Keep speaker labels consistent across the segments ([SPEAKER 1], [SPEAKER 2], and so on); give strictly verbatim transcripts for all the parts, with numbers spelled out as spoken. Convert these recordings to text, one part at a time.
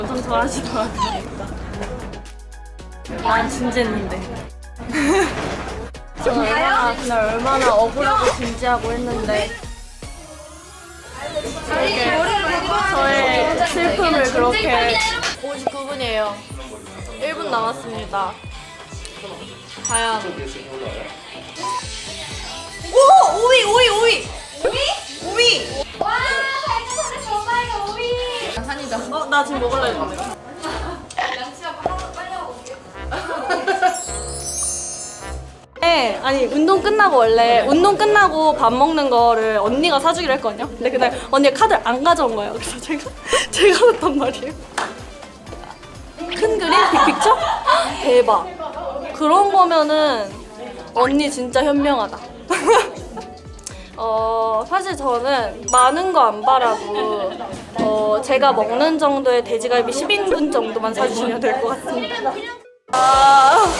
[SPEAKER 1] 엄청 좋아하시더라고요. 난 진지했는데. 저는 얼마나, 그날 얼마나 억울하고 진지하고 했는데 이렇게 저의 슬픔을 그렇게. 오십구 분이에요. 일 분 남았습니다. 과연
[SPEAKER 2] 오! 오이! 오이! 오이! 오이? 오이!
[SPEAKER 3] 와, 발전소를 좋아해요, 오이.
[SPEAKER 2] 산이다.
[SPEAKER 1] 어? 나 지금 먹을래 했는데.
[SPEAKER 3] 양치 한번 하고 빨리 하고 올게요.
[SPEAKER 1] 네, 아니 운동 끝나고 원래 운동 끝나고 밥 먹는 거를 언니가 사주기로 했거든요. 근데 그날 언니가 카드를 안 가져온 거예요. 그래서 제가 제가 샀단 말이에요. 큰 그림? 빅픽처? 대박. 그런 거면은 언니 진짜 현명하다. 어 사실 저는 많은 거 안 바라고 어 제가 먹는 정도의 돼지갈비 십 인분 정도만 사주시면 될 것 같습니다. 아.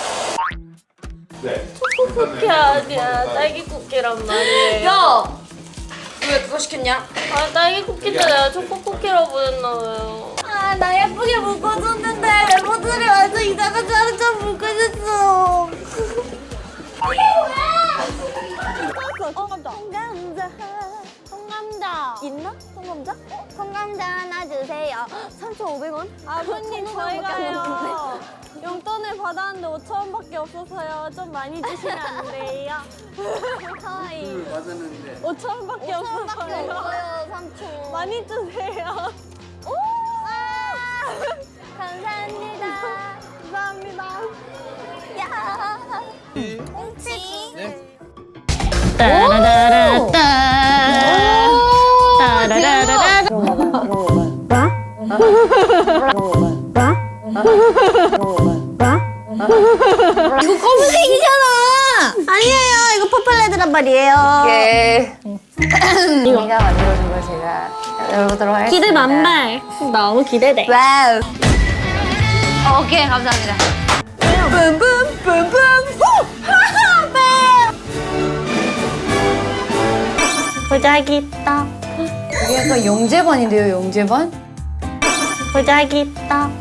[SPEAKER 4] 네.
[SPEAKER 1] 초코쿠키 아니야, 딸기 쿠키란 말이에요.
[SPEAKER 2] 야! 왜 그거 시켰냐?
[SPEAKER 1] 아, 딸기 쿠키도 내가 초코쿠키라고 했나봐요. 아, 나 예쁘게 묶어줬는데 멤버들이 완전 이상한 자루처럼 묶어줬어.
[SPEAKER 5] 통감자. 통감자. 있나? 통감자? 통감자 하나 주세요. 삼천오백 원? 아버님 저희가요 용돈을 받았는데 오천 원밖에 없어서요. 좀 많이 주시면 안 돼요? 하이.
[SPEAKER 6] 받았는데
[SPEAKER 5] 오천 원밖에 없어서요. 삼촌. 많이 주세요. 오! 감사합니다. 감사합니다. 야. 꽁치.
[SPEAKER 6] 네?
[SPEAKER 1] 따라라라따. 따라라라라.
[SPEAKER 5] 이거 검은색이잖아. 아니에요. 이거 퍼플레드란 말이에요.
[SPEAKER 2] 예.
[SPEAKER 7] 언니가 만들어준 걸 제가 열어보도록 하겠습니다.
[SPEAKER 5] 기대 만발. 너무 기대돼.
[SPEAKER 2] 와우.
[SPEAKER 7] 오케이, 감사합니다.
[SPEAKER 2] 뿜뿜뿜뿜 후!
[SPEAKER 5] 보자기 떡.
[SPEAKER 7] 이게 약간 영재반인데요, 영재반?
[SPEAKER 5] 보자기 떡.